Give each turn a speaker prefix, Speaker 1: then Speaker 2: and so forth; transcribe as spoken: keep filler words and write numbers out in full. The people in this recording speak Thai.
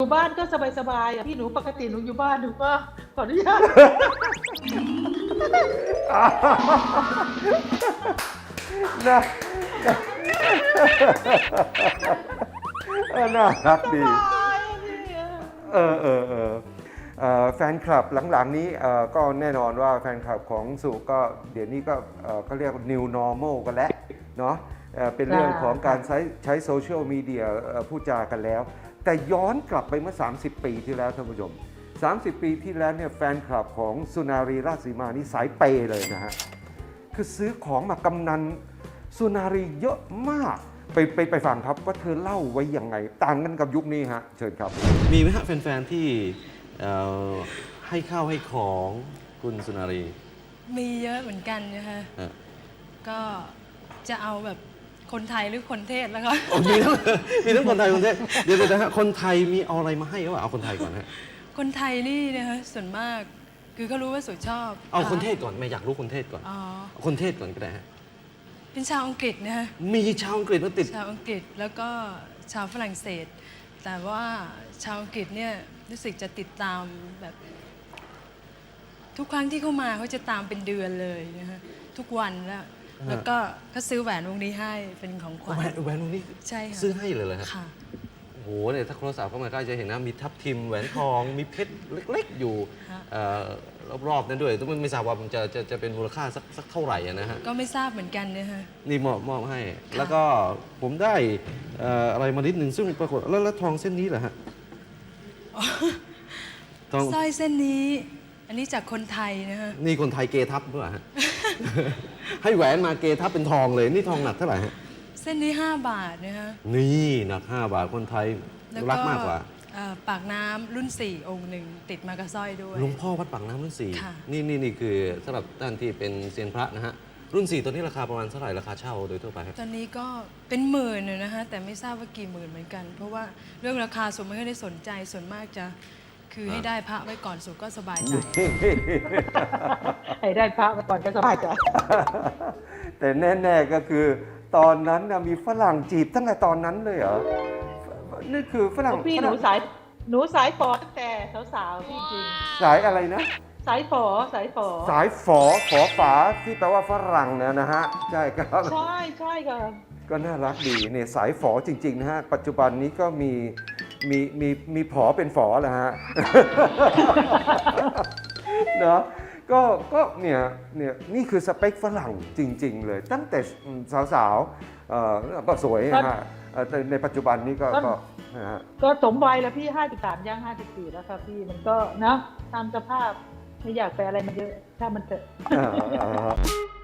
Speaker 1: บ้านก็สบายๆอ่ะพี่หนูปกติหนูอยู่บ้านหนูก็ขออนุญาต
Speaker 2: น่าน่ารักดี เออเออเออเอ่อแฟนคลับหลังๆนี้เอ่อก็แน่นอนว่าแฟนคลับของสุก็เดี๋ยวนี้ก็เอ่อเขาเรียก new normal กันแล้วเนาะเอ่อเป็นเรื่องของการใช้ใช้โซเชียลมีเดียพูดจากันแล้ว แต่ย้อนกลับไปเมื่อ สามสิบ ปีที่แล้วท่านผู้ชม สามสิบ ปีที่แล้วเนี่ยแฟนคลับของสุนารีราชสีมานี่สายเปย์เลยนะฮะ คือซื้อของมากำนันสุนารีเยอะมาก ไปไปไปฟังครับว่าเธอเล่าไว้ยังไง ต่างกันกับยุคนี้ฮะเชิญครับ
Speaker 3: มีไหมฮะแฟนๆที่เอ่อให้ข้าวให้ของคุณสุนารี
Speaker 4: มีเยอะเหมือนกันนะคะ
Speaker 3: ฮะ
Speaker 4: ก็จะเอาแบบคนไทยหรือคนเทศแล้วก็
Speaker 3: โอ้มีทั้งมีทั้งคนไทยคนเทศเดี๋ยวเดี๋ยวนะฮะคนไทยมีเอาอะไรมาให้หรือเปล่าเอาคนไทยก่อนฮะ
Speaker 4: คนไทยนี่นะคะส่วนมากคือเขารู้ว่าสุชอบ
Speaker 3: เอาคนเทศก่อนไม่อยากรู้คนเทศก่อน
Speaker 4: อ๋อ
Speaker 3: เอาคนเทศก่อนก็ได้ฮะ
Speaker 4: เป็นชาวอังกฤษนะคะ
Speaker 3: มีชาวอังกฤษมาติด
Speaker 4: ชาวอังกฤษแล้วก็ชาวฝรั่งเศส แต่ว่าชาวอังกฤษเนี่ยรู้สึกจะติดตามแบบ ทุกครั้งที่เขามาเขาจะตามเป็นเดือนเลยนะคะทุกวันแล้วแล้วก็เขาซื้อแหวนวงนี้ให้เป็นของขวัญ
Speaker 3: แหวนแหวนวงนี้
Speaker 4: ใช่ค่ะ
Speaker 3: ซื้อให้เลยเหรอฮะ
Speaker 4: ค่ะ
Speaker 3: โอ้โหเนี่ยถ้าโทรศัพท์เข้ามาก็จะเห็นนะมีทับทิมแหวนทองมีเพชรเล็กๆอยู่
Speaker 4: ฮะ
Speaker 3: เอ่อรอบๆนั้นด้วยแต่ไม่ทราบว่ามันจะจะจะเป็นมูลค่าสักสักเท่าไหร่อะนะฮะ
Speaker 4: ก็ไม่ทราบเหมือนกันนะคะ
Speaker 3: นี่มอบมอบให้ แล้วก็ผมได้เอ่ออะไรมานิดหนึ่งซึ่งปรากฏแล้วแล้วทองเส้นนี้เหรอฮะทอง
Speaker 4: สร้อยเส้นนี้ อันนี้จากคนไทยนะคะ
Speaker 3: นี่คนไทยเกทับหรือเปล่าฮะ ให้แหวนมาเกทับเป็นทองเลย นี่ทองหนักเท่าไหร่ฮะ
Speaker 4: เส้นนี้ห้าบาทนะคะ
Speaker 3: นี่หนักห้าบาทคนไทย
Speaker 4: แล้ว
Speaker 3: รักมากกว่า
Speaker 4: เอ่อปากน้ำรุ่นสี่องค์หนึ่งติดมากับสร้อยด้วย
Speaker 3: หลวงพ่อวัดปากน้ำรุ่นสี่
Speaker 4: ค่ะ
Speaker 3: นี่นี่นี่คือสำหรับท่านที่เป็นเซียนพระนะฮะรุ่นสี่ตัวนี้ราคาประมาณเท่าไหร่ราคาเช่าโดยทั่วไปครับ
Speaker 4: ตอนนี้ก็เป็นหมื่นน่ะนะคะแต่ไม่ทราบว่ากี่หมื่นเหมือนกัน เพราะว่าเรื่องราคาส่วนไม่ค่อยได้สนใจส่วนมากจะ คือให้ได้พระไว้ก่อนสุดก็สบายใจ
Speaker 1: ให้ได้พระมาก่อนก็สบายใจ
Speaker 2: แต่แน่ๆก็คือตอนนั้นนะมีฝรั่งจีบตั้งแต่ตอนนั้นเลยเหรอ นี่คือฝรั่ง
Speaker 1: พี่
Speaker 2: ฝ
Speaker 1: หนู
Speaker 2: รั่ง
Speaker 1: สายหนูสายฝอตั้งแต่สาวๆจริง
Speaker 2: สายอะไรนะ
Speaker 1: ๆสายฝอสายฝอ
Speaker 2: สายฝอฝอฝาที่แปลว่าฝรั่งเนี่ยนะฮะ ใช่ครับ
Speaker 1: ใช่ใช่ค่ะ
Speaker 2: ก็น่ารักดีเนี่ยสายฝอจริง ๆ นะฮะ ปัจจุบันนี้ก็มีมีมีมีผอเป็นฝอแล้วฮะ เนาะก็ก็เนี่ยเนี่ยนี่คือสเปคฝรั่งจริง ๆ เลย ตั้งแต่สาวๆเอ่อก็สวยนะฮะเอ่อแต่ในปัจจุบันนี้ก็ก็นะฮะ
Speaker 1: ก็สมวัยแล้วพี่ห้าสิบสามย่างห้าสิบสี่แล้วครับพี่มันก็นะตามสภาพไม่อยากไปอะไรมันเยอะถ้ามันเถอะ
Speaker 2: อ่า